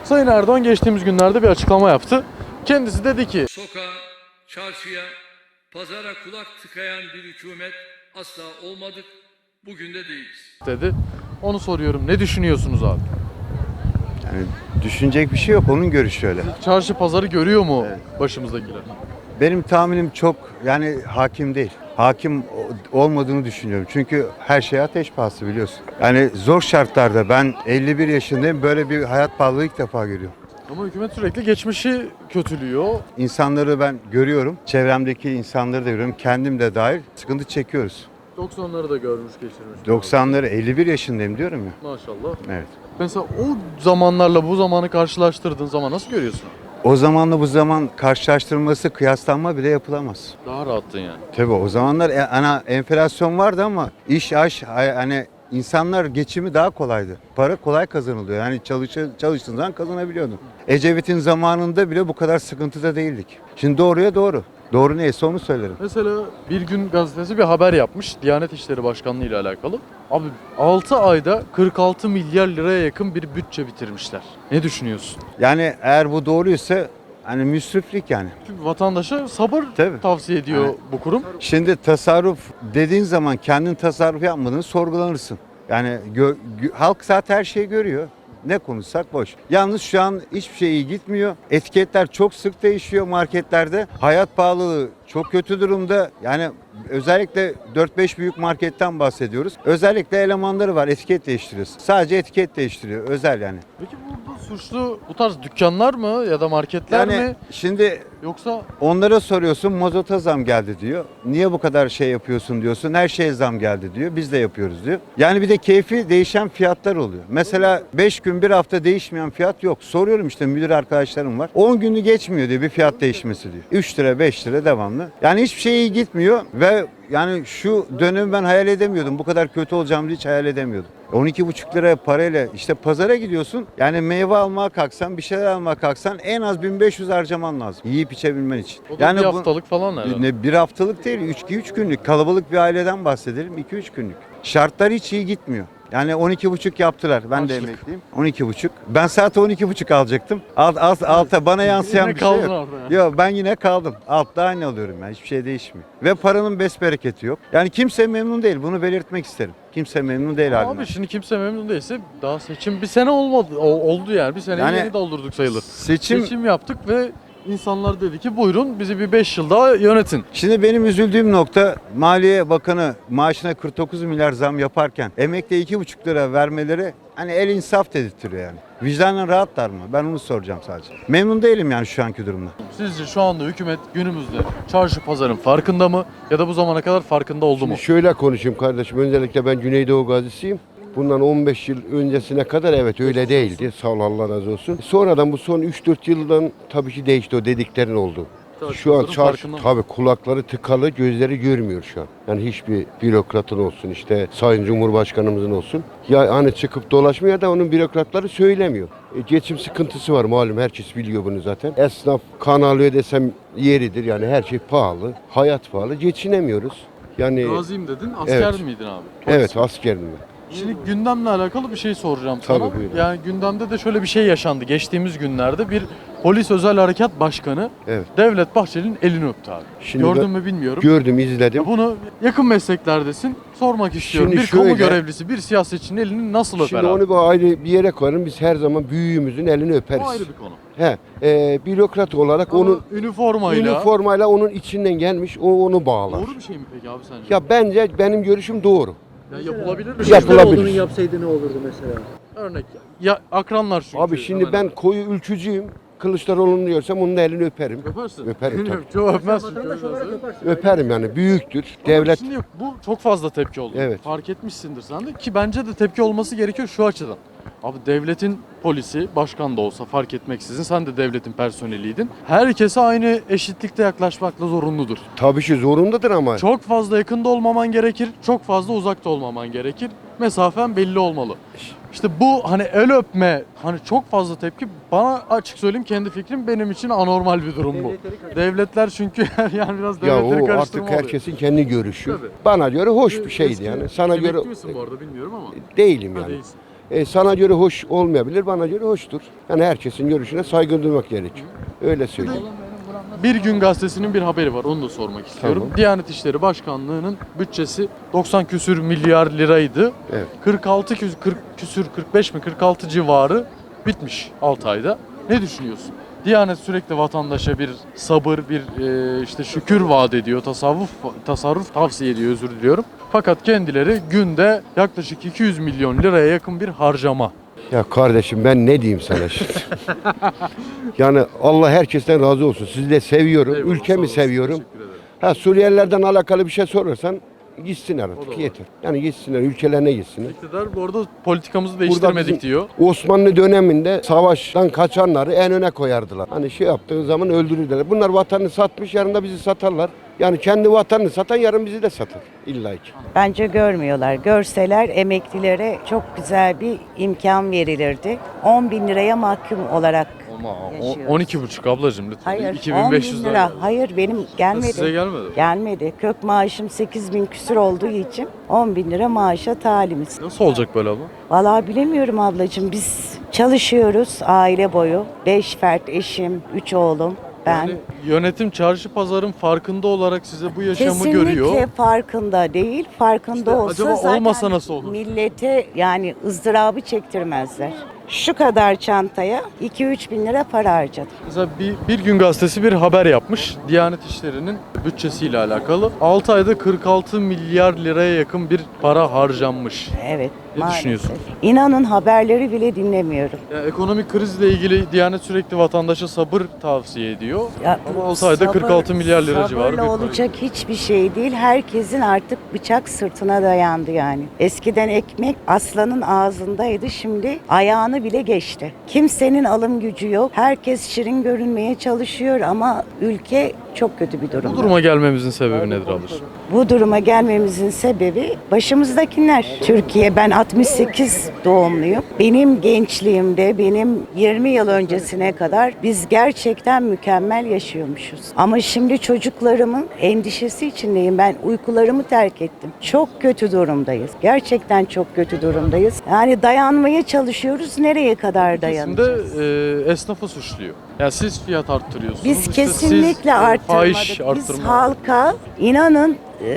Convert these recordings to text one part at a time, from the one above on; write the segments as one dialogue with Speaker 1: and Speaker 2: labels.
Speaker 1: Sayın Erdoğan geçtiğimiz günlerde bir açıklama yaptı. Kendisi dedi ki
Speaker 2: sokağa, çarşıya, pazara kulak tıkayan bir hükümet asla olmadık, bugün de değiliz.
Speaker 1: dedi. Onu soruyorum. Ne düşünüyorsunuz abi?
Speaker 3: Yani düşünecek bir şey yok. Onun görüşü öyle.
Speaker 1: Çarşı pazarı görüyor mu başımızdakiler?
Speaker 3: Benim tahminim çok hakim değil. Hakim olmadığını düşünüyorum. Çünkü her şey ateş pahası biliyorsun. Yani zor şartlarda ben 51 yaşındayım. Böyle bir hayat pahalılığı ilk defa görüyorum.
Speaker 1: Ama hükümet sürekli geçmişi kötülüyor.
Speaker 3: İnsanları ben görüyorum. Çevremdeki insanları da görüyorum. Kendim de dahil sıkıntı çekiyoruz.
Speaker 1: 90'ları da görmüş geçirmiş.
Speaker 3: 90'ları 51 yaşındayım diyorum ya.
Speaker 1: Maşallah.
Speaker 3: Evet.
Speaker 1: Mesela o zamanlarla bu zamanı karşılaştırdığın zaman nasıl görüyorsun?
Speaker 3: O zamanla bu zaman karşılaştırılması, kıyaslanma bile yapılamaz.
Speaker 1: Daha rahattın yani.
Speaker 3: Tabii o zamanlar enflasyon vardı ama hani insanlar geçimi daha kolaydı. Para kolay kazanılıyor. Yani çalıştığın zaman kazanabiliyordun. Ecevit'in zamanında bile bu kadar sıkıntıda değildik. Şimdi doğruya doğru. Doğru neyse onu söylerim.
Speaker 1: Mesela Bir Gün gazetesi bir haber yapmış Diyanet İşleri Başkanlığı ile alakalı. Abi 6 ayda 46 milyar liraya yakın bir bütçe bitirmişler. Ne düşünüyorsun?
Speaker 3: Yani eğer bu doğruysa hani müsriflik yani.
Speaker 1: Çünkü vatandaşa sabır
Speaker 3: Tabii.
Speaker 1: tavsiye ediyor
Speaker 3: Yani
Speaker 1: bu kurum.
Speaker 3: Şimdi tasarruf dediğin zaman kendin tasarruf yapmadığını sorgulanırsın. Yani halk zaten her şeyi görüyor. Ne konuşsak boş. Yalnız şu an hiçbir şey iyi gitmiyor. Etiketler çok sık değişiyor marketlerde. Hayat pahalılığı çok kötü durumda. Yani özellikle 4-5 büyük marketten bahsediyoruz. Özellikle elemanları var, etiket değiştiriyoruz. Sadece etiket değiştiriyor, özel yani.
Speaker 1: Peki burada suçlu bu tarz dükkanlar mı ya da marketler
Speaker 3: Yani
Speaker 1: mi?
Speaker 3: şimdi
Speaker 1: Yoksa
Speaker 3: onlara soruyorsun, mazota zam geldi diyor. Niye bu kadar şey yapıyorsun diyorsun. Her şeye zam geldi diyor. Biz de yapıyoruz diyor. Yani bir de keyfi değişen fiyatlar oluyor. Mesela 5 gün bir hafta değişmeyen fiyat yok. Soruyorum işte müdür arkadaşlarım var. 10 günü geçmiyor diyor bir fiyat değişmesi diyor. 3 lira 5 lira devamlı. Yani hiçbir şey iyi gitmiyor ve yani şu dönemi ben hayal edemiyordum. Bu kadar kötü olacağımı hiç hayal edemiyordum. 12,5 liraya parayla işte pazara gidiyorsun. Yani meyve almaya kalksan, bir şeyler almaya kalksan en az 1500 harcaman lazım. Yiyip içebilmen için.
Speaker 1: o da
Speaker 3: Yani
Speaker 1: bir haftalık falan herhalde.
Speaker 3: bir haftalık değil, 3 günlük. Kalabalık bir aileden bahsedelim, 2-3 günlük. Şartlar hiç iyi gitmiyor. Yani 12,5 yaptılar. Ben de
Speaker 1: Açlık.
Speaker 3: emekliyim. 12,5. Ben saat 12,5 alacaktım. Alta bana yansıyan
Speaker 1: Yine
Speaker 3: bir şey
Speaker 1: kaldın
Speaker 3: yok.
Speaker 1: orada yani.
Speaker 3: Yok ben yine kaldım. Altta aynı alıyorum ben. Hiçbir şey değişmiyor. Ve paranın besbereketi yok. Yani kimse memnun değil. Bunu belirtmek isterim. Kimse memnun değil halinden.
Speaker 1: Abi şimdi kimse memnun değilse daha seçim bir sene olmadı. Oldu yani. Bir sene
Speaker 3: Yani
Speaker 1: yeni doldurduk sayılır.
Speaker 3: Seçim
Speaker 1: Seçim yaptık ve insanlar dedi ki buyurun bizi bir 5 yıl daha yönetin.
Speaker 3: Şimdi benim üzüldüğüm nokta Maliye Bakanı maaşına 49 milyar zam yaparken emekliye 2,5 lira vermeleri hani el insaf dedirtiyor yani. Vicdanen rahatlar mı? Ben onu soracağım sadece. Memnun değilim yani şu anki durumda.
Speaker 1: Sizce şu anda hükümet günümüzde çarşı pazarın farkında mı ya da bu zamana kadar farkında oldu mu?
Speaker 4: Şimdi şöyle konuşayım kardeşim. Öncelikle ben Güneydoğu gazisiyim. Bundan 15 yıl öncesine kadar evet öyle değildi. Sağ ol Allah razı olsun. Sonradan bu son 3-4 yıldan tabii ki değişti o dediklerin oldu. Şu an tabii kulakları tıkalı, gözleri görmüyor şu an. Yani hiçbir bürokratın olsun işte Sayın Cumhurbaşkanımızın olsun. Ya hani çıkıp dolaşmıyor ya da onun bürokratları söylemiyor. Geçim sıkıntısı var malum herkes biliyor bunu zaten. Esnaf kan alıyor desem yeridir yani her şey pahalı. Hayat pahalı geçinemiyoruz. Yani
Speaker 1: Gaziyim dedin, asker
Speaker 4: Evet.
Speaker 1: miydin abi?
Speaker 4: evet askerim ben.
Speaker 1: Şimdi gündemle alakalı bir şey soracağım
Speaker 4: Tabii,
Speaker 1: sana.
Speaker 4: buyurun.
Speaker 1: Yani gündemde de şöyle bir şey yaşandı. Geçtiğimiz günlerde bir polis özel harekat başkanı
Speaker 4: Evet.
Speaker 1: Devlet Bahçeli'nin elini öptü abi.
Speaker 4: Şimdi
Speaker 1: Gördün
Speaker 4: ben-
Speaker 1: mü bilmiyorum.
Speaker 4: Gördüm, izledim.
Speaker 1: Bunu yakın mesleklerdesin. Sormak istiyorum.
Speaker 4: Şimdi
Speaker 1: Bir kamu
Speaker 4: şöyle-
Speaker 1: görevlisi, bir siyasetçinin elini nasıl öper
Speaker 4: Şimdi
Speaker 1: abi?
Speaker 4: onu bu ayrı bir yere koyalım. Biz her zaman büyüğümüzün elini öperiz.
Speaker 1: O ayrı bir konu.
Speaker 4: Bürokrat olarak
Speaker 1: Ama
Speaker 4: onun
Speaker 1: üniformayla
Speaker 4: üniformayla onun içinden gelmiş, o onu bağlar.
Speaker 1: doğru bir şey mi peki abi sence?
Speaker 4: Ya bence benim görüşüm doğru.
Speaker 1: Ya yapılabilir bir şey.
Speaker 4: Yapılabilir.
Speaker 5: Kılıçdaroğlu'nun yapsaydı ne olurdu mesela?
Speaker 1: Örnek ya akranlar çünkü.
Speaker 4: Abi şimdi
Speaker 1: hemen
Speaker 4: ben
Speaker 1: hemen.
Speaker 4: koyu ülkücüyüm. Kılıçdaroğlu'nu diyorsam onun da elini öperim.
Speaker 1: Öpersin.
Speaker 4: Öperim tabii.
Speaker 1: Çoğu öpmezsin.
Speaker 5: Vatandaş
Speaker 1: çoğu
Speaker 5: olarak
Speaker 1: öpersin.
Speaker 5: yaparsın.
Speaker 4: Öperim yani büyüktür.
Speaker 1: Ama
Speaker 4: Devlet
Speaker 1: Şimdi bu çok fazla tepki oldu.
Speaker 4: Evet.
Speaker 1: Fark etmişsindir sen de ki bence de tepki olması gerekiyor şu açıdan. Abi devletin polisi, başkan da olsa fark etmeksizin sen de devletin personeliydin. Herkese aynı eşitlikte yaklaşmakla zorunludur.
Speaker 4: tabii ki zorundadır ama
Speaker 1: Çok fazla yakında olmaman gerekir, çok fazla uzakta olmaman gerekir. Mesafen belli olmalı. İşte bu hani el öpme, hani çok fazla tepki bana açık söyleyeyim kendi fikrim benim için anormal bir durum bu.
Speaker 5: Devletleri karıştırıyor.
Speaker 1: Devletler çünkü yani biraz
Speaker 4: ya
Speaker 1: devletleri
Speaker 4: o
Speaker 1: karıştırma
Speaker 4: artık
Speaker 1: oluyor.
Speaker 4: herkesin kendi görüşü.
Speaker 1: Tabii.
Speaker 4: Bana göre hoş bir şeydi
Speaker 1: Eski-
Speaker 4: yani. Sana
Speaker 1: emekli
Speaker 4: göre
Speaker 1: misin bu arada bilmiyorum ama.
Speaker 4: değilim
Speaker 1: Ha,
Speaker 4: yani.
Speaker 1: değilsin.
Speaker 4: Sana göre hoş olmayabilir, bana göre hoştur. Yani herkesin görüşüne saygı duymak gerekiyor. Öyle söyleyeyim.
Speaker 1: Bir Gün Gazetesi'nin bir haberi var. Onu da sormak istiyorum.
Speaker 4: Tamam.
Speaker 1: Diyanet İşleri Başkanlığı'nın bütçesi 90 küsür milyar liraydı.
Speaker 4: Evet.
Speaker 1: 45 mi 46 civarı bitmiş 6 ayda. Ne düşünüyorsun? Diyanet sürekli vatandaşa bir sabır, bir işte şükür vaat ediyor, tasarruf tavsiye ediyor, özür diliyorum. Fakat kendileri günde yaklaşık 200 milyon liraya yakın bir harcama.
Speaker 4: Ya kardeşim ben ne diyeyim sana şimdi? Yani Allah herkesten razı olsun. Sizi de seviyorum,
Speaker 1: Eyvallah, sağ
Speaker 4: ülkemi
Speaker 1: olasın,
Speaker 4: seviyorum.
Speaker 1: teşekkür ederim.
Speaker 4: Ha Suriyelilerden alakalı bir şey sorarsan gitsinler
Speaker 1: O da
Speaker 4: artık
Speaker 1: var.
Speaker 4: yeter. Yani gitsinler, ülkelerine gitsinler.
Speaker 1: İktidar bu arada politikamızı
Speaker 4: Burada
Speaker 1: değiştirmedik
Speaker 4: bizim
Speaker 1: diyor.
Speaker 4: Osmanlı döneminde savaştan kaçanları en öne koyardılar. Hani şey yaptığı zaman öldürürler. Bunlar vatanını satmış, yarın da bizi satarlar. Yani kendi vatanını satan yarın bizi de satar illa ki.
Speaker 6: Bence görmüyorlar. Görseler emeklilere çok güzel bir imkan verilirdi. 10 bin liraya mahkum olarak
Speaker 1: Ama
Speaker 6: yaşıyoruz.
Speaker 1: 12,5 ablacığım lütfen.
Speaker 6: Hayır
Speaker 1: 2500
Speaker 6: 10 bin lira. Hayır benim gelmedi.
Speaker 1: Size gelmedi.
Speaker 6: Gelmedi. Kök maaşım 8 bin küsür olduğu için 10 bin lira maaşa talimiz.
Speaker 1: Nasıl olacak böyle abla?
Speaker 6: Vallahi bilemiyorum ablacığım. Biz çalışıyoruz aile boyu. 5 fert eşim, 3 oğlum. Ben
Speaker 1: Yani yönetim çarşı pazarın farkında olarak size bu yaşamı
Speaker 6: kesinlikle
Speaker 1: görüyor.
Speaker 6: farkında değil. Farkında
Speaker 1: İşte
Speaker 6: olsa
Speaker 1: acaba
Speaker 6: zaten
Speaker 1: olmasa nasıl olur?
Speaker 6: millete yani ızdırabı çektirmezler. Şu kadar çantaya 2-3 bin lira para harcadım.
Speaker 1: Mesela bir Gün Gazetesi bir haber yapmış. Diyanet İşleri'nin bütçesiyle alakalı. 6 ayda 46 milyar liraya yakın bir para harcanmış.
Speaker 6: Evet.
Speaker 1: Ne
Speaker 6: maalesef.
Speaker 1: düşünüyorsun?
Speaker 6: İnanın haberleri bile dinlemiyorum.
Speaker 1: Ya ekonomik krizle ilgili Diyanet sürekli vatandaşa sabır tavsiye ediyor.
Speaker 6: Ya,
Speaker 1: Ama 6 ayda 46 milyar lira civarı bir
Speaker 6: sabırla
Speaker 1: para.
Speaker 6: olacak hiçbir şey değil. Herkesin artık bıçak sırtına dayandı yani. Eskiden ekmek aslanın ağzındaydı. Şimdi ayağını bile geçti. Kimsenin alım gücü yok. Herkes şirin görünmeye çalışıyor ama ülke çok kötü bir
Speaker 1: Bu
Speaker 6: durumda.
Speaker 1: duruma gelmemizin sebebi nedir ablacığım?
Speaker 6: Bu duruma gelmemizin sebebi başımızdakiler. Türkiye, ben 68 doğumluyum. Benim gençliğimde, benim 20 yıl öncesine kadar biz gerçekten mükemmel yaşıyormuşuz. Ama şimdi çocuklarımın endişesi içindeyim. Ben uykularımı terk ettim. Çok kötü durumdayız. Gerçekten çok kötü durumdayız. Yani dayanmaya çalışıyoruz. Nereye kadar
Speaker 1: Kesimde
Speaker 6: dayanacağız?
Speaker 1: esnafı suçluyor. Yani siz fiyat arttırıyorsunuz.
Speaker 6: Biz
Speaker 1: işte
Speaker 6: kesinlikle
Speaker 1: siz, fahiş
Speaker 6: arttırmadık. Biz
Speaker 1: arttırma.
Speaker 6: halka inanın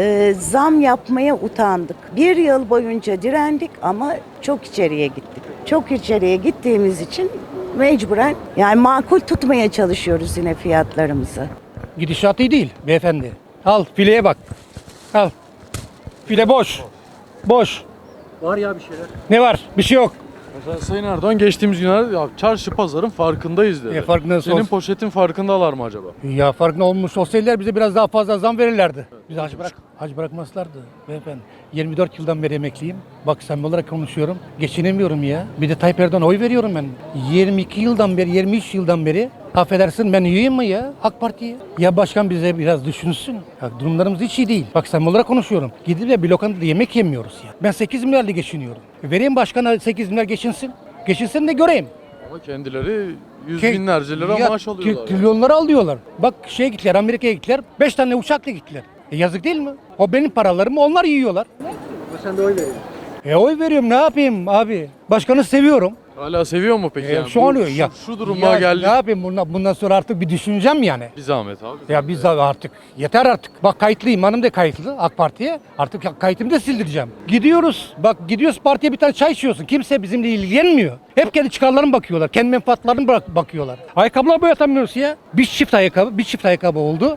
Speaker 6: zam yapmaya utandık. Bir yıl boyunca direndik ama çok içeriye gittik. Çok içeriye gittiğimiz için mecburen yani makul tutmaya çalışıyoruz yine fiyatlarımızı.
Speaker 7: Gidişat iyi değil beyefendi. Al fileye bak. Al. File boş. Boş.
Speaker 5: Var ya bir şeyler.
Speaker 7: Ne var? Bir şey yok.
Speaker 1: Mesela Sayın Erdoğan geçtiğimiz günlerde ya çarşı pazarın farkındayız dedi.
Speaker 7: Farkındayız.
Speaker 1: Senin poşetin farkındalar mı acaba?
Speaker 7: Ya farkında olmuş olsaydılar bize biraz daha fazla zam verirlerdi. Bize hac bırakmazlardı beyefendi. 24 yıldan beri emekliyim. Bak samimi olarak konuşuyorum. Geçinemiyorum ya. Bir de Tayyip Erdoğan'a oy veriyorum ben. 22 yıldan beri, 23 yıldan beri affedersin ben üyeyim mi ya AK Parti'ye? Ya başkan bize biraz düşünsün. Ya durumlarımız hiç iyi değil. Bak samimi olarak konuşuyorum. Gidip de bir lokantada yemek yemiyoruz ya. Ben 8 milyarla geçiniyorum. Vereyim başkana 8 milyar geçinsin. Geçinsin de göreyim.
Speaker 1: Ama kendileri yüz
Speaker 7: Ke-
Speaker 1: binlerce lira
Speaker 7: Ya,
Speaker 1: maaş alıyorlar. yani.
Speaker 7: Trilyonları alıyorlar. Bak şeye gittiler, Amerika'ya gittiler. 5 tane uçakla gittiler. Yazık değil mi? O benim paralarımı onlar yiyorlar.
Speaker 5: Ama sen de oy veriyorsun.
Speaker 7: Oy veriyorum ne yapayım abi? Başkanı seviyorum.
Speaker 1: Hala seviyor mu peki? Yani
Speaker 7: Şu
Speaker 1: bu-
Speaker 7: an ya.
Speaker 1: Şu duruma
Speaker 7: ya,
Speaker 1: geldik.
Speaker 7: Ne yapayım bundan sonra artık bir düşüneceğim yani.
Speaker 1: Bir zahmet abi.
Speaker 7: Ya biz de artık yeter artık. Bak kayıtlıyım hanım da kayıtlı AK Parti'ye. Artık kayıtımı da sildireceğim. Gidiyoruz. Bak gidiyoruz partiye bir tane çay içiyorsun. Kimse bizimle ilgilenmiyor. Hep kendi çıkarlarına bakıyorlar. Kendi menfaatlarına bakıyorlar. Ayakkabılar boyatamıyoruz ya. Bir çift ayakkabı oldu.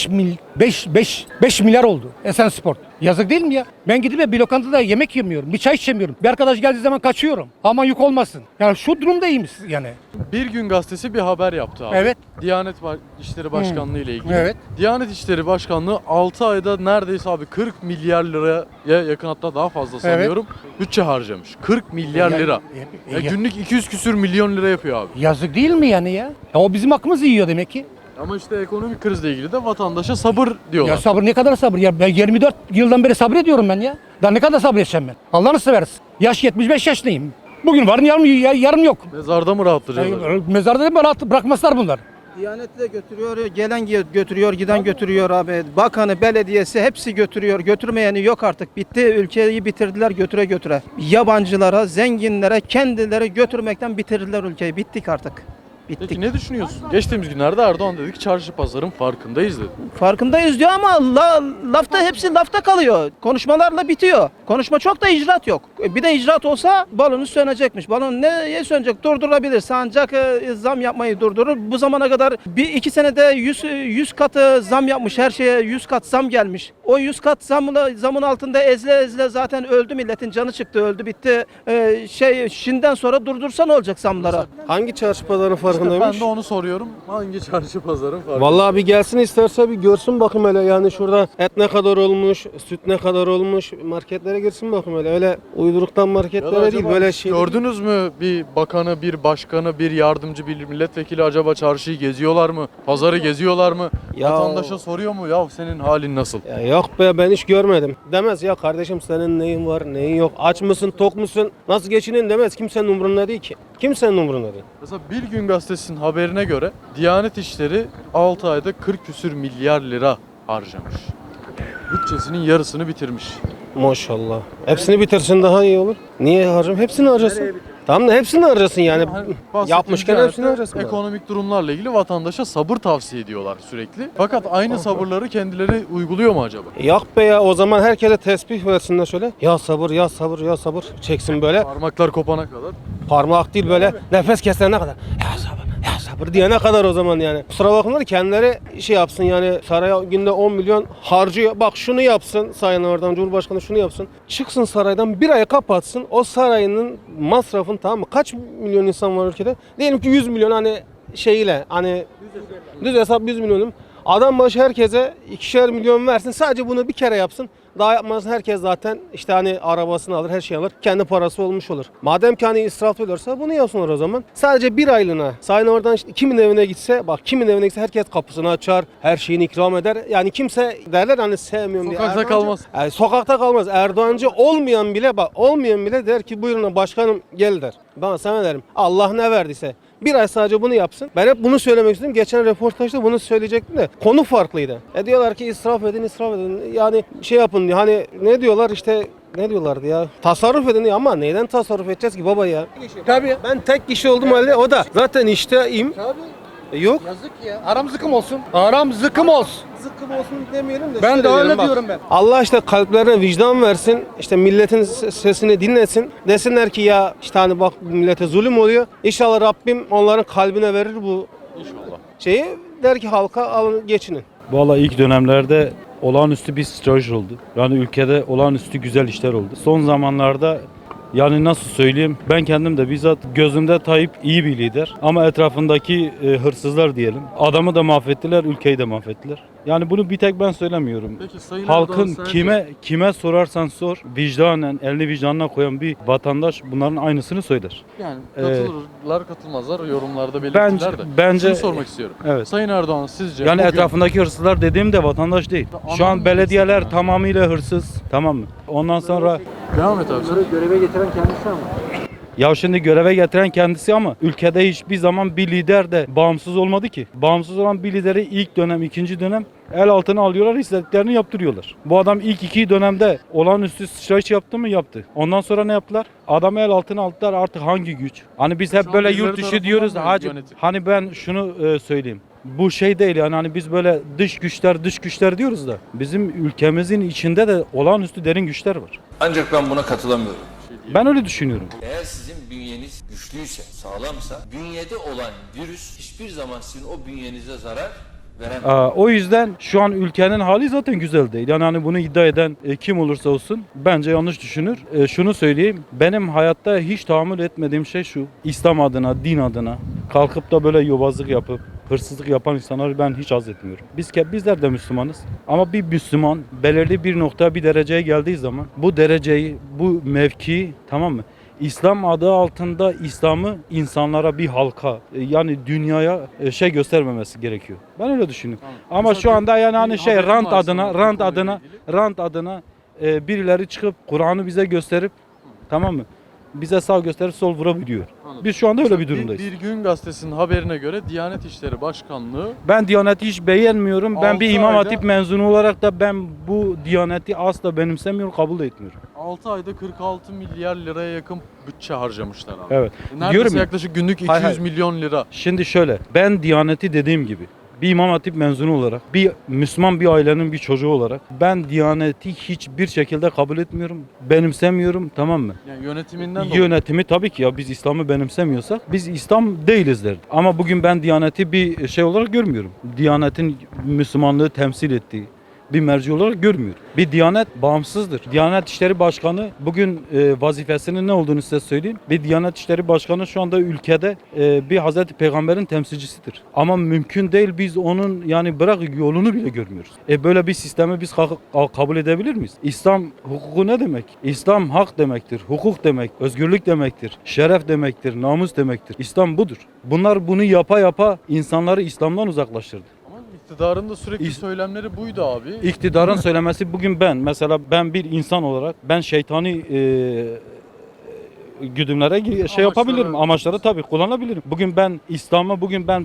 Speaker 7: 5 milyar oldu Esensport. Yazık değil mi ya? Ben gidip de bir lokantada yemek yemiyorum. Bir çay içemiyorum. Bir arkadaş geldiği zaman kaçıyorum. Aman yük olmasın. Yani şu durumdayım yani.
Speaker 1: Bir Gün Gazetesi bir haber yaptı abi.
Speaker 7: Evet.
Speaker 1: Diyanet İşleri Başkanlığı ile ilgili.
Speaker 7: Evet.
Speaker 1: Diyanet İşleri Başkanlığı 6 ayda neredeyse abi 40 milyar liraya yakın, hatta daha fazla sanıyorum, bütçe harcamış. 40 milyar lira. Ya günlük 200 küsür milyon lira yapıyor abi.
Speaker 7: Yazık değil mi yani ya? O bizim hakkımızı yiyor demek ki.
Speaker 1: Ama işte ekonomik krizle ilgili de vatandaşa sabır diyorlar.
Speaker 7: Ya sabır ne kadar sabır ya? Ben 24 yıldan beri sabrediyorum ben ya. Daha ne kadar sabredeceğim ben? Allah'ını seversin. Yaş 75 yaşındayım. Bugün varım yarım yok.
Speaker 1: Mezarda mı rahatlayacaklar?
Speaker 7: Mezarda da rahat bırakmazlar bunlar.
Speaker 8: Diyanet de götürüyor, gelen götürüyor, giden götürüyor abi. Bakanı, belediyesi hepsi götürüyor. Götürmeyeni yok artık. Bitti, ülkeyi bitirdiler götüre götüre. Yabancılara, zenginlere, kendileri götürmekten bitirdiler ülkeyi. Bittik artık. Bittik.
Speaker 1: Peki ne düşünüyorsun? Geçtiğimiz günlerde Erdoğan dedi ki çarşı pazarın farkındayız dedi.
Speaker 8: Farkındayız diyor ama lafta hepsi lafta kalıyor. Konuşmalarla bitiyor. Konuşma çok da icraat yok. Bir de icraat olsa balonu sönecekmiş. Balon neye sönecek? Durdurabilirse ancak zam yapmayı durdurur. Bu zamana kadar 1-2 senede 100 katı zam yapmış. Her şeye 100 kat zam gelmiş. O 100 kat zamın altında ezle zaten öldü, milletin canı çıktı, öldü bitti. Şimdiden sonra durdursa ne olacak zamlara?
Speaker 9: Hangi çarşı pazarın
Speaker 1: İşte
Speaker 9: farkındaymış?
Speaker 1: ben de onu soruyorum. Hangi çarşı pazarın farkında?
Speaker 9: Vallahi bir gelsin isterse bir görsün bakım hele, yani şurada et ne kadar olmuş, süt ne kadar olmuş, marketlere girsin bakım hele. Öyle uyduruktan
Speaker 1: Ya da
Speaker 9: marketlere değil,
Speaker 1: acaba
Speaker 9: böyle şey.
Speaker 1: gördünüz mü bir bakanı, bir başkanı, bir yardımcı, bir milletvekili acaba çarşıyı geziyorlar mı? Pazarı geziyorlar mı?
Speaker 9: Ya-
Speaker 1: Vatandaşa soruyor mu? Ya senin halin nasıl?
Speaker 9: Ya yok be, ben hiç görmedim. Demez ya kardeşim senin neyin var, neyin yok, aç mısın, tok musun, nasıl geçinin demez. Kimsenin umurunda değil ki. Kimsenin umurunda değil.
Speaker 1: Mesela Bir Gün Gazetesi'nin haberine göre Diyanet İşleri 6 ayda 40 küsür milyar lira harcamış. Bütçesinin yarısını bitirmiş.
Speaker 9: Maşallah. Hepsini bitirsin daha iyi olur. Niye harcam? Hepsini harcasın. Tamam da hepsini harcasın yani.
Speaker 1: Hani bahsettiğim
Speaker 9: Yapmışken
Speaker 1: Diyanet'te
Speaker 9: hepsini harcasın.
Speaker 1: ekonomik durumlarla ilgili vatandaşa sabır tavsiye ediyorlar sürekli. Fakat aynı sabırları kendileri uyguluyor mu acaba?
Speaker 9: Yok be ya, o zaman herkese tesbih versinler şöyle. Ya sabır, ya sabır, ya sabır. Çeksin böyle.
Speaker 1: Parmaklar kopana kadar.
Speaker 9: Parmak değil böyle. Nefes kesene kadar. Ya sabır, ya sabır diyene kadar o zaman yani. Kusura bakmayın, kendileri şey yapsın yani, saraya günde 10 milyon harcıyor. Bak şunu yapsın Sayın Erdoğan Cumhurbaşkanı, şunu yapsın. Çıksın saraydan, bir ay kapatsın. O sarayının masrafın, tamam mı? Kaç milyon insan var ülkede? Diyelim ki 100 milyon, hani şeyle, hani düz hesap 100 milyonum. Adam başı herkese 2'şer milyon versin. Sadece bunu bir kere yapsın. Daha yapmazsa herkes zaten işte hani arabasını alır, her şeyi alır. Kendi parası olmuş olur. Madem ki hani israf ediyorsa bunu yapsınlar o zaman. Sadece bir aylığına. Sayın oradan işte kimin evine gitse, bak kimin evine gitse herkes kapısını açar. Her şeyini ikram eder. Yani kimse derler hani sevmiyorum diye.
Speaker 1: Sokakta
Speaker 9: Erdoğancı-
Speaker 1: kalmaz.
Speaker 9: Yani sokakta kalmaz. Erdoğancı olmayan bile, bak olmayan bile der ki buyurun başkanım gel der. Ben sana derim Allah ne verdiyse. Bir ay sadece bunu yapsın. Ben hep bunu söylemek istedim. Geçen röportajda bunu söyleyecektim de konu farklıydı. Diyorlar ki israf edin, israf edin. Yani şey yapın diyor. Hani ne diyorlar işte, ne diyorlardı ya? Tasarruf edin diyor ama neyden tasarruf edeceğiz ki baba ya?
Speaker 7: Tabii.
Speaker 9: Ben tek kişi oldum halde, o da zaten işteyim. Yok.
Speaker 7: Yazık ya. Aram zıkım olsun. Aram zıkım olsun.
Speaker 9: Zıkkım olsun demeyelim de.
Speaker 7: Ben
Speaker 9: şöyle
Speaker 7: de öyle
Speaker 9: diyelim, bak.
Speaker 7: diyorum ben.
Speaker 9: Allah işte kalplerine vicdan versin. İşte milletin sesini dinlesin. Desinler ki ya işte hani bak millete zulüm oluyor. İnşallah Rabbim onların kalbine verir bu
Speaker 1: İnşallah.
Speaker 9: şeyi. Der ki halka alın geçinin.
Speaker 10: Valla ilk dönemlerde olağanüstü bir strateji oldu. Yani ülkede olağanüstü güzel işler oldu. Son zamanlarda yani nasıl söyleyeyim, ben kendim de bizzat gözümde Tayyip iyi bir lider ama etrafındaki hırsızlar diyelim. Adamı da mahvettiler, ülkeyi de mahvettiler. Yani bunu bir tek ben söylemiyorum.
Speaker 1: Peki Sayın
Speaker 10: Halkın
Speaker 1: Erdoğan sence-
Speaker 10: kime sorarsan sor, vicdanen, elini vicdanına koyan bir vatandaş bunların aynısını söyler.
Speaker 1: Yani katılırlar katılmazlar yorumlarda belirtirler
Speaker 10: Bence-
Speaker 1: de.
Speaker 10: bence-
Speaker 1: Şunu sormak istiyorum.
Speaker 10: Evet.
Speaker 1: Sayın Erdoğan sizce
Speaker 10: Yani
Speaker 1: bugün-
Speaker 10: etrafındaki hırsızlar dediğim de vatandaş değil. Şu
Speaker 1: Anladım
Speaker 10: an belediyeler
Speaker 1: demek
Speaker 10: tamamıyla hırsız, tamam mı? Ondan sonra
Speaker 1: Devam et abi sen.
Speaker 5: Bunları göreve getiren kendisi ama.
Speaker 10: ya şimdi göreve getiren kendisi ama ülkede hiçbir zaman bir lider de bağımsız olmadı ki. Bağımsız olan bir lideri ilk dönem, ikinci dönem el altına alıyorlar, istediklerini yaptırıyorlar. Bu adam ilk iki dönemde olağanüstü sıçrayış yaptı mı? Yaptı. Ondan sonra ne yaptılar? Adamı el altına aldılar, artık hangi güç? Hani biz hep
Speaker 1: Şu an
Speaker 10: böyle
Speaker 1: birileri
Speaker 10: yurt dışı
Speaker 1: tarafından
Speaker 10: diyoruz
Speaker 1: mı
Speaker 10: da hacı.
Speaker 1: yönetim?
Speaker 10: Hani ben şunu söyleyeyim. Bu şey değil yani, hani biz böyle dış güçler diyoruz da bizim ülkemizin içinde de olağanüstü derin güçler var.
Speaker 2: Ancak ben buna katılamıyorum.
Speaker 10: Ben öyle düşünüyorum.
Speaker 2: Eğer sizin bünyeniz güçlüyse, sağlamsa, bünyede olan virüs hiçbir zaman sizin o bünyenize zarar veremez.
Speaker 10: O yüzden şu an ülkenin hali zaten güzel değil. Yani hani bunu iddia eden kim olursa olsun bence yanlış düşünür. Şunu söyleyeyim. Benim hayatta hiç tahammül etmediğim şey şu. İslam adına, din adına kalkıp da böyle yobazlık yapıp hırsızlık yapan insanları ben hiç haz etmiyorum. Bizler de Müslümanız. Ama bir Müslüman belirli bir noktaya, bir dereceye geldiği zaman bu dereceyi, bu mevkiyi, tamam mı? İslam adı altında İslam'ı insanlara, bir halka yani dünyaya şey göstermemesi gerekiyor. Ben öyle düşünüyorum.
Speaker 1: Tamam.
Speaker 10: Ama
Speaker 1: Mesela
Speaker 10: şu anda yani hani
Speaker 1: bir
Speaker 10: şey
Speaker 1: haberim
Speaker 10: rant
Speaker 1: var
Speaker 10: adına,
Speaker 1: sana bu
Speaker 10: rant
Speaker 1: konuyla
Speaker 10: adına,
Speaker 1: ilgili.
Speaker 10: rant adına birileri çıkıp Kur'an'ı bize gösterip, tamam mı? bize sağ gösterip sol vurabiliyor.
Speaker 1: Anladım.
Speaker 10: Biz şu anda öyle bir
Speaker 1: Mesela
Speaker 10: durumdayız.
Speaker 1: Bir Gün Gazetesi'nin haberine göre Diyanet İşleri Başkanlığı
Speaker 10: Ben Diyanet'i hiç beğenmiyorum. Ben bir
Speaker 1: 6
Speaker 10: İmam
Speaker 1: ayda-
Speaker 10: Hatip mezunu olarak da ben bu Diyanet'i asla benimsemiyorum, kabul da etmiyorum.
Speaker 1: 6 ayda 46 milyar liraya yakın bütçe harcamışlar abi.
Speaker 10: Evet.
Speaker 1: Neredeyse
Speaker 10: Diyorum ya.
Speaker 1: yaklaşık günlük 200
Speaker 10: Hayır, hayır.
Speaker 1: milyon lira.
Speaker 10: Şimdi şöyle, ben Diyanet'i dediğim gibi bir İmam Hatip mezunu olarak, bir Müslüman bir ailenin bir çocuğu olarak ben Diyanet'i hiçbir şekilde kabul etmiyorum, benimsemiyorum, tamam mı?
Speaker 1: Yani yönetiminden dolayı.
Speaker 10: Yönetimi tabii ki ya biz İslam'ı benimsemiyorsak biz İslam değiliz derdi. Ama bugün ben Diyanet'i bir şey olarak görmüyorum. Diyanet'in Müslümanlığı temsil ettiği bir merci olarak görmüyorum. Bir Diyanet bağımsızdır. Diyanet İşleri Başkanı bugün vazifesinin ne olduğunu size söyleyeyim. Bir Diyanet İşleri Başkanı şu anda ülkede bir Hazreti Peygamber'in temsilcisidir. Ama mümkün değil biz onun yani bırak yolunu bile görmüyoruz. Böyle bir sistemi biz kabul edebilir miyiz? İslam hukuku ne demek? İslam hak demektir, hukuk demek, özgürlük demektir, şeref demektir, namus demektir. İslam budur. Bunlar bunu yapa yapa insanları İslam'dan uzaklaştırdı.
Speaker 1: Ama iktidarın da sürekli
Speaker 10: İs-
Speaker 1: söylemleri buydu abi.
Speaker 10: İktidarın söylemesi bugün ben bir insan olarak ben şeytani güdümlere şey yapabilirim. Amaçları tabii kullanabilirim. Bugün ben İslam'a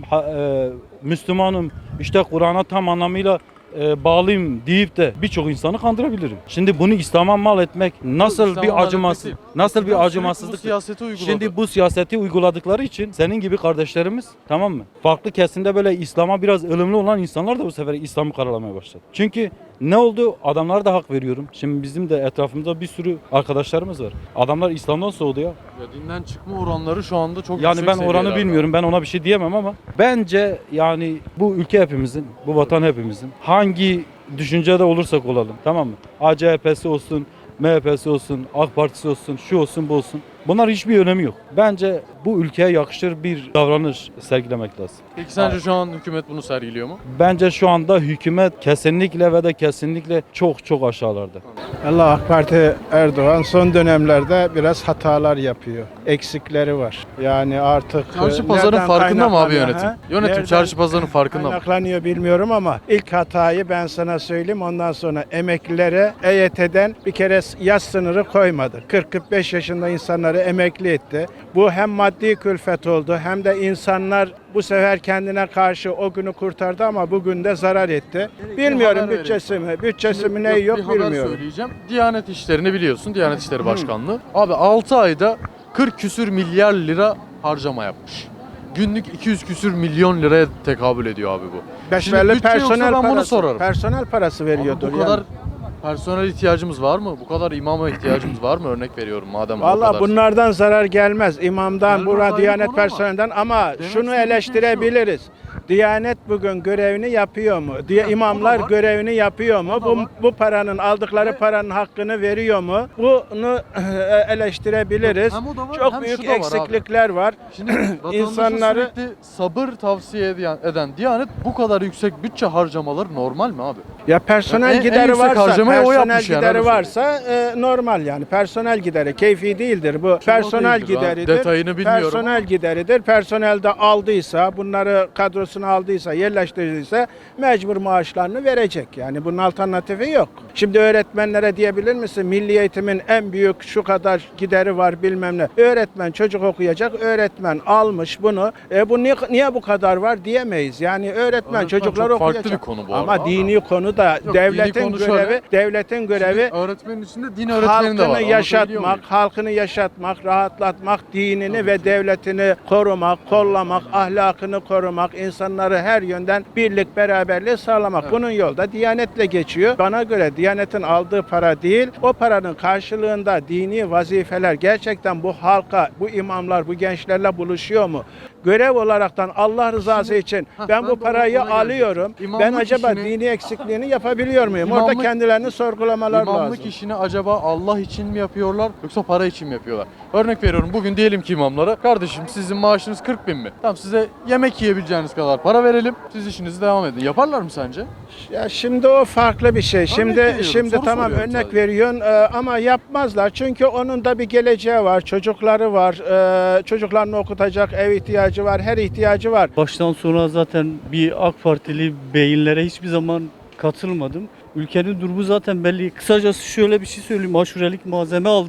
Speaker 10: Müslümanım işte Kur'an'a tam anlamıyla bağlıyım deyip de birçok insanı kandırabilirim. Şimdi bunu İslam'a mal etmek nasıl
Speaker 1: İslam'a
Speaker 10: bir
Speaker 1: mal
Speaker 10: acımasız,
Speaker 1: etmesi.
Speaker 10: nasıl
Speaker 1: İktidar
Speaker 10: bir
Speaker 1: sürekli
Speaker 10: acımasızlık.
Speaker 1: Bu siyaseti uyguladı.
Speaker 10: Şimdi bu siyaseti uyguladıkları için senin gibi kardeşlerimiz, tamam mı? Farklı kesimde böyle İslam'a biraz ılımlı olan insanlar da bu sefer İslam'ı karalamaya başladı. Çünkü ne oldu? Adamlara da hak veriyorum. Şimdi bizim de etrafımızda bir sürü arkadaşlarımız var. Adamlar İslam'dan soğudu ya.
Speaker 1: Ya dinden çıkma oranları şu anda çok
Speaker 10: Yani
Speaker 1: yüksek
Speaker 10: ben oranı
Speaker 1: seviyelerde.
Speaker 10: bilmiyorum. Ben ona bir şey diyemem ama bence yani bu ülke hepimizin, bu vatan hepimizin. Hangi düşüncede olursak olalım, tamam mı? ACHP'si olsun, MHP'si olsun, AK Partisi olsun, şu olsun, bu olsun. Bunlar hiçbir önemi yok. Bence bu ülkeye yakışır bir davranış sergilemek lazım.
Speaker 1: Peki sence şu an hükümet bunu sergiliyor mu?
Speaker 10: Bence şu anda hükümet kesinlikle ve de kesinlikle çok aşağılarda.
Speaker 11: Allah AK Parti Erdoğan son dönemlerde biraz hatalar yapıyor. Eksikleri var. Yani artık
Speaker 1: Çarşı pazarın
Speaker 11: nereden
Speaker 1: farkında mı abi
Speaker 11: kaynaklanıyor,
Speaker 1: yönetim?
Speaker 11: ha?
Speaker 1: Yönetim
Speaker 11: Nereden
Speaker 1: çarşı pazarın farkında mı?
Speaker 11: kaynaklanıyor bilmiyorum ama ilk hatayı ben sana söyleyeyim. Ondan sonra emeklilere EYT'den bir kere yaş sınırı koymadı. 40-45 yaşında insanları emekli etti. Bu hem maddi külfet oldu hem de insanlar bu sefer kendine karşı o günü kurtardı ama bugün de zarar etti. Bilmiyorum
Speaker 1: haber
Speaker 11: bütçesi mi ne
Speaker 1: Bir
Speaker 11: yok
Speaker 1: haber
Speaker 11: bilmiyorum.
Speaker 1: söyleyeceğim. Diyanet İşleri'ni biliyorsun. Diyanet İşleri Başkanlığı. Abi 6 ayda 40 küsür milyar lira harcama yapmış. Günlük 200 küsür milyon liraya tekabül ediyor abi bu.
Speaker 11: Besbelli
Speaker 1: bütçe yoksa
Speaker 11: personel
Speaker 1: ben bunu
Speaker 11: parası.
Speaker 1: sorarım.
Speaker 11: Personel parası
Speaker 1: Abi
Speaker 11: veriyordur.
Speaker 1: bu kadar personel ihtiyacımız var mı? Bu kadar imama ihtiyacımız var mı? Örnek veriyorum madem o
Speaker 11: Valla
Speaker 1: kadar.
Speaker 11: bunlardan zarar gelmez. İmamdan,
Speaker 1: Gelmez,
Speaker 11: bura
Speaker 1: ayrı
Speaker 11: Diyanet
Speaker 1: konu ama
Speaker 11: personelinden ama
Speaker 1: demek
Speaker 11: şunu
Speaker 1: istediğim şey
Speaker 11: eleştirebiliriz. Diyanet bugün görevini yapıyor mu? İmamlar
Speaker 1: var.
Speaker 11: görevini yapıyor mu?
Speaker 1: O da var.
Speaker 11: Bu paranın aldıkları paranın hakkını veriyor mu? Bunu eleştirebiliriz.
Speaker 1: Hem o da var,
Speaker 11: Çok
Speaker 1: hem
Speaker 11: büyük
Speaker 1: şu da var abi.
Speaker 11: eksiklikler var.
Speaker 1: Şimdi vatandaşa
Speaker 11: İnsanları-
Speaker 1: sürekli sabır tavsiye eden Diyanet bu kadar yüksek bütçe harcamaları normal mi abi?
Speaker 11: Ya personel
Speaker 1: En
Speaker 11: gideri
Speaker 1: yüksek
Speaker 11: varsa,
Speaker 1: harcamayı o
Speaker 11: personel
Speaker 1: yapmış yani,
Speaker 11: gideri
Speaker 1: öyle
Speaker 11: varsa normal yani. Personel gideri keyfi değildir bu. Personel
Speaker 1: değildir ha.
Speaker 11: gideridir.
Speaker 1: Detayını bilmiyorum
Speaker 11: Personel
Speaker 1: ama.
Speaker 11: gideridir. Personel de aldıysa, bunları kadrosuna aldıysa, yerleştirdiyse mecbur maaşlarını verecek. Yani bunun alternatifi yok. Şimdi öğretmenlere diyebilir misin? Milli eğitimin en büyük şu kadar gideri var bilmem ne. Öğretmen çocuk okuyacak. Öğretmen almış bunu. Bu niye bu kadar var diyemeyiz. Yani öğretmen çocuklar
Speaker 1: çok farklı
Speaker 11: okuyacak.
Speaker 1: bir konu bu
Speaker 11: Ama
Speaker 1: arada.
Speaker 11: dini konu da
Speaker 1: Yok,
Speaker 11: devletin
Speaker 1: dini konu
Speaker 11: görevi,
Speaker 1: şöyle.
Speaker 11: devletin görevi
Speaker 1: Şimdi öğretmenin içinde din öğretmeni de var.
Speaker 11: halkını
Speaker 1: Anlatabiliyor
Speaker 11: yaşatmak,
Speaker 1: muyum?
Speaker 11: halkını yaşatmak, rahatlatmak, dinini ve devletini korumak, kollamak, ahlakını korumak, insanları her yönden birlik, beraberliği sağlamak. Bunun yolda Diyanet'le geçiyor. Bana göre Diyanet'in aldığı para değil, o paranın karşılığında dini vazifeler gerçekten bu halka, bu imamlar, bu gençlerle buluşuyor mu? Görev olaraktan Allah rızası için ben
Speaker 1: de
Speaker 11: bu
Speaker 1: o
Speaker 11: parayı
Speaker 1: konuya
Speaker 11: alıyorum.
Speaker 1: gelecektim.
Speaker 11: Ben
Speaker 1: İmamlık
Speaker 11: acaba
Speaker 1: işini-
Speaker 11: dini eksikliğini yapabiliyor muyum? Orada
Speaker 1: İmamlık-
Speaker 11: kendilerini sorgulamalar
Speaker 1: İmamlık
Speaker 11: lazım.
Speaker 1: işini acaba Allah için mi yapıyorlar yoksa para için mi yapıyorlar? Örnek veriyorum bugün diyelim ki imamlara kardeşim sizin maaşınız 40 bin mi? Tamam size yemek yiyebileceğiniz kadar para verelim. Siz işinizi devam edin. Yaparlar mı sence?
Speaker 11: Ya şimdi o farklı bir şey.
Speaker 1: veriyorum,
Speaker 11: Şimdi
Speaker 1: soru
Speaker 11: tamam
Speaker 1: soruyorum
Speaker 11: örnek
Speaker 1: sadece.
Speaker 11: veriyorsun ama yapmazlar. Çünkü onun da bir geleceği var, çocukları var, çocuklarını okutacak ev ihtiyacı var, her ihtiyacı var.
Speaker 12: Baştan sona zaten bir AK Partili beyinlere hiçbir zaman katılmadım. Ülkenin durumu zaten belli. Kısacası şöyle bir şey söyleyeyim. Aşurelik malzeme aldım.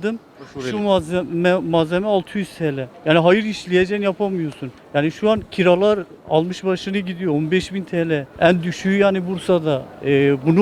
Speaker 1: Suriyeli.
Speaker 12: Şu malzeme 600 TL. Yani hayır işleyeceksin yapamıyorsun. Yani şu an kiralar almış başını gidiyor 15.000 TL. En düşüğü yani Bursa'da. Bunu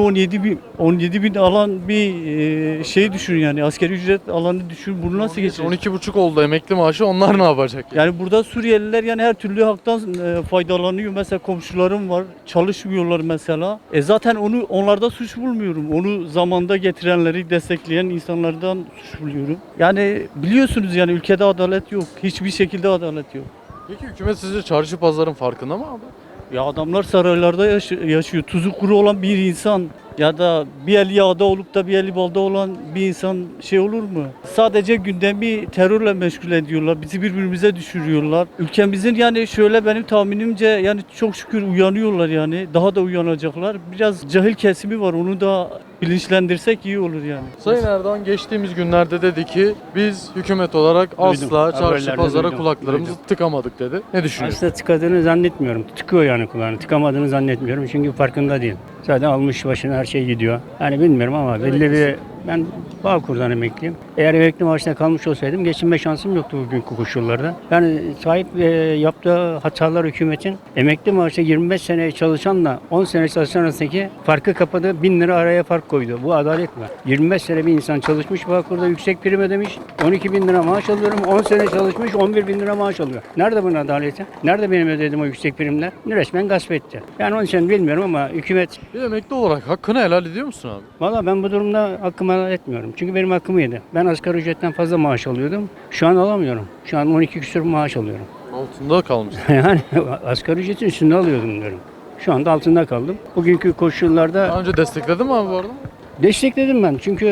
Speaker 12: 17 bin alan bir şey düşün yani. Asgari ücret alanı düşün. Bunu nasıl geçecek?
Speaker 1: 12,5 oldu emekli maaşı, onlar ne yapacak?
Speaker 12: Yani burada Suriyeliler yani her türlü haktan faydalanıyor. Mesela komşularım var, çalışmıyorlar mesela. Zaten onlarda suç bulmuyorum. Onu zamanda getirenleri destekleyen insanlardan suç buluyorum. Yani biliyorsunuz yani ülkede adalet yok. Hiçbir şekilde adalet yok.
Speaker 1: Peki hükümet sizce çarşı pazarın farkında mı abi?
Speaker 12: Ya adamlar saraylarda yaşıyor. Tuzu kuru olan bir insan ya da bir eli yağda olup da bir eli balda olan bir insan şey olur mu? Sadece gündemi terörle meşgul ediyorlar. Bizi birbirimize düşürüyorlar. Ülkemizin yani şöyle benim tahminimce yani çok şükür uyanıyorlar yani. Daha da uyanacaklar. Biraz cahil kesimi var. Onu da bilinçlendirsek iyi olur yani.
Speaker 1: Sayın Erdoğan geçtiğimiz günlerde dedi ki biz hükümet olarak asla çarşı
Speaker 13: Haberlerde
Speaker 1: pazara
Speaker 13: duydum.
Speaker 1: kulaklarımızı tıkamadık dedi. Ne düşünüyorsun?
Speaker 13: Aslında tıkadığını zannetmiyorum. Tıkıyor yani kulağını. Tıkamadığını zannetmiyorum çünkü farkında değil. Zaten almış başına her şey gidiyor. Yani bilmiyorum ama belli bir... Ben Bağkur'dan emekliyim. Eğer emekli maaşına kalmış olsaydım geçinme şansım yoktu bugünkü koşullarda. Yani sahip yaptığı hatalar hükümetin emekli maaşı 25 sene çalışanla 10 sene çalışan arasındaki farkı kapadı. 1000 lira araya fark koydu. Bu adalet mi? 25 sene bir insan çalışmış Bağkur'da yüksek prim ödemiş. 12 bin lira maaş alıyorum. 10 sene çalışmış 11 bin lira maaş alıyor. Nerede bunun adaleti? Nerede benim ödediğim o yüksek primler? Resmen gasp etti. Yani onun için bilmiyorum ama hükümet...
Speaker 1: Bir emekli olarak hakkını helal ediyor musun abi?
Speaker 13: Valla ben bu durumda hakkımı helal etmiyorum. Çünkü benim hakkım yedi. Ben asgari ücretten fazla maaş alıyordum. Şu an alamıyorum. Şu an 12 küsur maaş alıyorum.
Speaker 1: Altında kalmış.
Speaker 13: Yani asgari ücretin üstünde alıyordum diyorum. Şu anda altında kaldım. Bugünkü koşullarda
Speaker 1: Daha önce destekledin mi abi bu arada?
Speaker 13: destekledim ben. Çünkü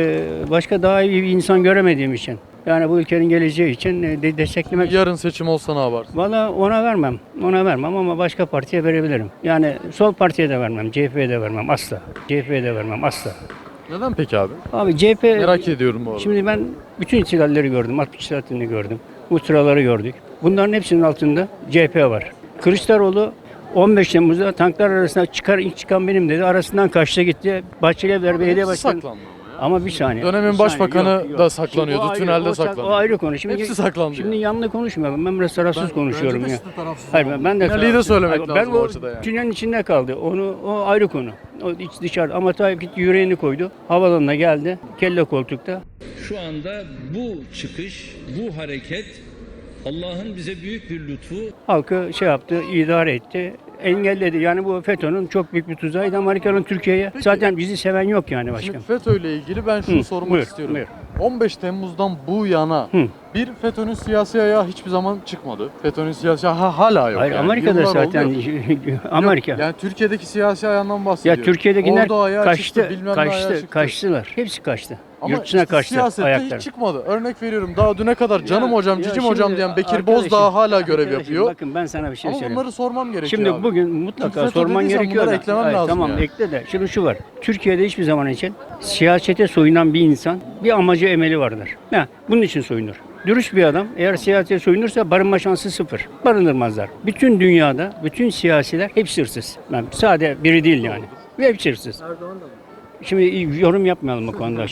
Speaker 13: başka daha iyi bir insan göremediğim için. Yani bu ülkenin geleceği için desteklemek...
Speaker 1: Yarın seçim olsa ne yaparsın?
Speaker 13: Valla ona vermem. Ona vermem ama başka partiye verebilirim. Yani sol partiye de vermem. CHP'ye de vermem asla. CHP'ye de vermem asla.
Speaker 1: Neden peki abi?
Speaker 13: Abi CHP...
Speaker 1: Merak ediyorum bu arada.
Speaker 13: Şimdi ben bütün ihtilalleri gördüm. 60 saatini gördüm. Ultraları gördük. Bunların hepsinin altında CHP var. Kılıçdaroğlu 15 Temmuz'da tanklar arasında ilk çıkan benim dedi. Arasından kaçtı gitti. Bahçelievler Belediye Başkanı.
Speaker 1: Saklandı.
Speaker 13: Ama bir saniye.
Speaker 1: Dönemin
Speaker 13: bir
Speaker 1: başbakanı
Speaker 13: saniye. Yok.
Speaker 1: da
Speaker 13: Şimdi
Speaker 1: saklanıyordu,
Speaker 13: o ayrı,
Speaker 1: tünelde saklanıyordu.
Speaker 13: O ayrı konu. Şimdi,
Speaker 1: Hepsi saklandı.
Speaker 13: Şimdi yanlı konuşmuyorum. Ben biraz tarafsız konuşuyorum ya. Hayır ben de
Speaker 1: Finali de söylemek
Speaker 13: ben
Speaker 1: lazım
Speaker 13: o
Speaker 1: ortada yani.
Speaker 13: tünelin içinde kaldı. O ayrı konu. O iç dışarı. Ama Tayyip gitti yüreğini koydu. Havalanına geldi. Kelle koltukta.
Speaker 2: Şu anda bu çıkış, bu hareket Allah'ın bize büyük bir lütfu.
Speaker 13: Halkı şey yaptı, idare etti. Engelledi. Yani bu FETÖ'nün çok büyük bir tuzağıydı Amerika'nın Türkiye'ye. Zaten bizi seven yok yani başkan.
Speaker 1: Şimdi FETÖ ile ilgili ben şunu sormak
Speaker 13: buyur,
Speaker 1: istiyorum.
Speaker 13: buyur.
Speaker 1: 15 Temmuz'dan bu yana bir FETÖ'nün siyasi ayağı hiçbir zaman çıkmadı. FETÖ'nün siyasi ayağı hala yok.
Speaker 13: Hayır
Speaker 1: yani.
Speaker 13: Amerika'da
Speaker 1: Yıllar
Speaker 13: zaten
Speaker 1: oldu.
Speaker 13: Amerika.
Speaker 1: Yok, yani Türkiye'deki siyasi ayağından
Speaker 13: Ya
Speaker 1: bahsediyorum.
Speaker 13: Türkiye'dekiler
Speaker 1: Orada ayağı çıktı,
Speaker 13: kaçtı,
Speaker 1: bilmem ne ayağı çıktı.
Speaker 13: kaçtılar. Hepsi kaçtı.
Speaker 1: Ama
Speaker 13: Yurt dışına
Speaker 1: işte
Speaker 13: kaçtı
Speaker 1: siyasette
Speaker 13: ayakları.
Speaker 1: hiç çıkmadı. Örnek veriyorum daha düne kadar canım
Speaker 13: Ya-
Speaker 1: hocam,
Speaker 13: ya
Speaker 1: cicim
Speaker 13: şimdi
Speaker 1: hocam diyen Bekir
Speaker 13: arkadaşım-
Speaker 1: Bozdağ hala görev
Speaker 13: arkadaşım
Speaker 1: yapıyor.
Speaker 13: Bakın ben sana bir şey
Speaker 1: Ama
Speaker 13: söyleyeyim.
Speaker 1: bunları sormam gerekiyor
Speaker 13: Şimdi
Speaker 1: abi.
Speaker 13: bugün mutlaka
Speaker 1: FETÖ
Speaker 13: sorman
Speaker 1: dediysen
Speaker 13: gerekiyor
Speaker 1: bunları
Speaker 13: da.
Speaker 1: eklemem
Speaker 13: Hayır,
Speaker 1: lazım
Speaker 13: tamam
Speaker 1: yani.
Speaker 13: ekle de. Şimdi şu var. Türkiye'de hiçbir zaman için siyasete soyunan bir insan bir amacı emeli vardır. Bunun için soyunur. Dürüst bir adam eğer siyasete soyunursa barınma şansı sıfır. Barındırmazlar. Bütün dünyada bütün siyasiler hepsi hırsız. Yani sade biri değil yani. Ve hepsi hırsız.
Speaker 5: Erdoğan da mı?
Speaker 13: Şimdi yorum yapmayalım bu konuda.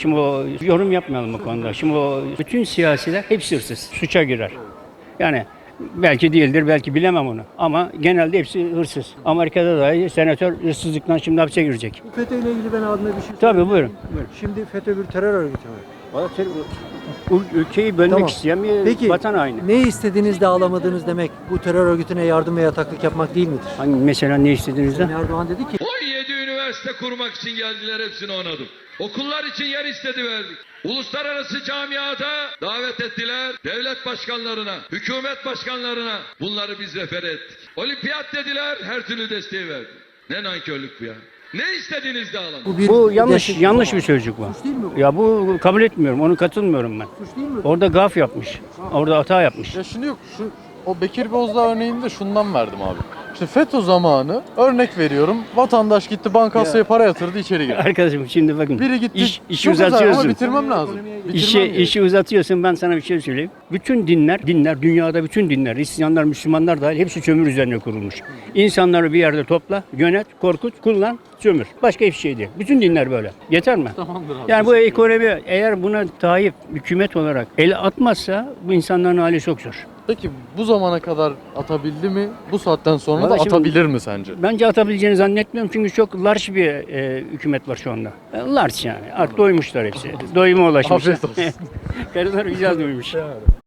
Speaker 13: Şimdi o bütün siyasiler hepsi hırsız. Suça girer. Yani belki değildir, belki bilemem onu. Ama genelde hepsi hırsız. Amerika'da dahi senatör hırsızlıktan şimdi hapse girecek.
Speaker 5: FETÖ ile ilgili ben abime bir şey
Speaker 13: Tabii
Speaker 5: söyleyeyim.
Speaker 13: buyurun.
Speaker 5: Şimdi FETÖ bir terör örgütü mü?
Speaker 13: Ülkeyi bölmek
Speaker 5: Tamam.
Speaker 13: isteyen bir
Speaker 5: Peki
Speaker 13: vatan haini.
Speaker 5: ne istediğiniz de alamadığınız demek bu terör örgütüne yardım ve yataklık yapmak değil midir?
Speaker 13: Hangi mesela ne istediğinizde?
Speaker 5: Sayın Erdoğan dedi ki
Speaker 2: 17 üniversite kurmak için geldiler, hepsini onadım. Okullar için yer istedi, verdik. Uluslararası camiada davet ettiler, devlet başkanlarına, hükümet başkanlarına bunları biz refer ettik. Olimpiyat dediler, her türlü desteği verdik. Ne nankörlük bu ya. Ne istediğiniz de alın.
Speaker 13: Bu
Speaker 5: destek-
Speaker 13: yanlış bir sözcük bu.
Speaker 5: Suç değil mi bu?
Speaker 13: Ya bu kabul etmiyorum. Onu katılmıyorum ben.
Speaker 5: Suç değil mi?
Speaker 13: Orada gaf yapmış. Orada hata yapmış.
Speaker 1: Ya şimdi yok o Bekir Bozdağ örneğini de şundan verdim abi. İşte FETÖ zamanı örnek veriyorum. Vatandaş gitti bankasaya para yatırdı, içeri girdi.
Speaker 13: Arkadaşım şimdi bakın.
Speaker 1: Biri gitti.
Speaker 13: İşi
Speaker 1: çok güzel ama
Speaker 13: uzatıyorsun.
Speaker 1: bitirmem lazım.
Speaker 13: İşi uzatıyorsun. Ben sana bir şey söyleyeyim. Bütün dinler, dünyada bütün dinler, Hristiyanlar, Müslümanlar dahil hepsi sömür üzerine kurulmuş. İnsanları bir yerde topla, yönet, korkut, kullan, sömür. Başka hiçbir şey değil. Bütün dinler böyle. Yeter mi?
Speaker 1: Tamamdır abi.
Speaker 13: Yani bu ekonomi eğer buna Tayyip hükümet olarak el atmazsa bu insanların hali çok zor.
Speaker 1: Peki bu zamana kadar atabildi mi? Bu saatten sonra da
Speaker 13: Vallahi şimdi-
Speaker 1: atabilir mi sence?
Speaker 13: Bence atabileceğini zannetmiyorum çünkü çok large bir hükümet var şu anda. Large yani. Artık doymuşlar hepsi. Doyuma ulaşmışlar.
Speaker 1: Afiyet olsun.
Speaker 13: Karılar güzel doymuş.